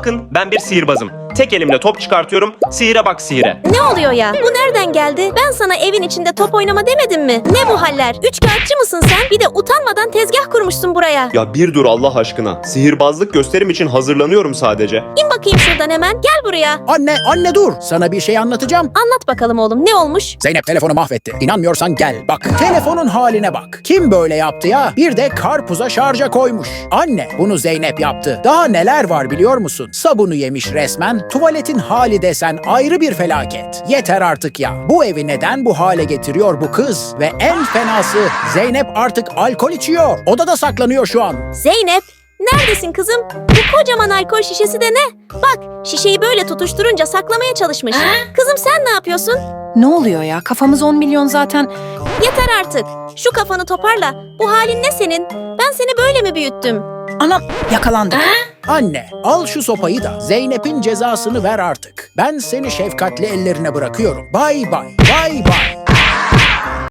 Bakın ben bir sihirbazım. Tek elimle top çıkartıyorum. Sihire bak sihire. Ne oluyor ya? Bu nereden geldi? Ben sana evin içinde top oynama demedim mi? Ne bu haller? Üçkağıtçı mısın sen? Bir de utanmadan tezgah kurmuşsun buraya. Ya bir dur Allah aşkına. Sihirbazlık gösterim için hazırlanıyorum sadece. İn bakayım şuradan hemen. Gel buraya. Anne dur. Sana bir şey anlatacağım. Anlat bakalım oğlum. Ne olmuş? Zeynep telefonu mahvetti. İnanmıyorsan gel. Bak telefonun haline bak. Kim böyle yaptı ya? Bir de karpuza şarja koymuş. Anne bunu Zeynep yaptı. Daha neler var biliyor musun? Sabunu yemiş resmen. Tuvaletin hali desen ayrı bir felaket. Yeter artık ya. Bu evi neden bu hale getiriyor bu kız? Ve en fenası Zeynep artık alkol içiyor. Odada saklanıyor şu an. Zeynep. Neredesin kızım? Bu kocaman alkol şişesi de ne? Bak şişeyi böyle tutuşturunca saklamaya çalışmış. Kızım sen ne yapıyorsun? Ne oluyor ya? Kafamız 10 milyon zaten. Yeter artık. Şu kafanı toparla. Bu halin ne senin? Ben seni böyle mi büyüttüm? Anam yakalandık. Anne, al şu sopayı da Zeynep'in cezasını ver artık. Ben seni şefkatli ellerine bırakıyorum. Bay bay, bay bay.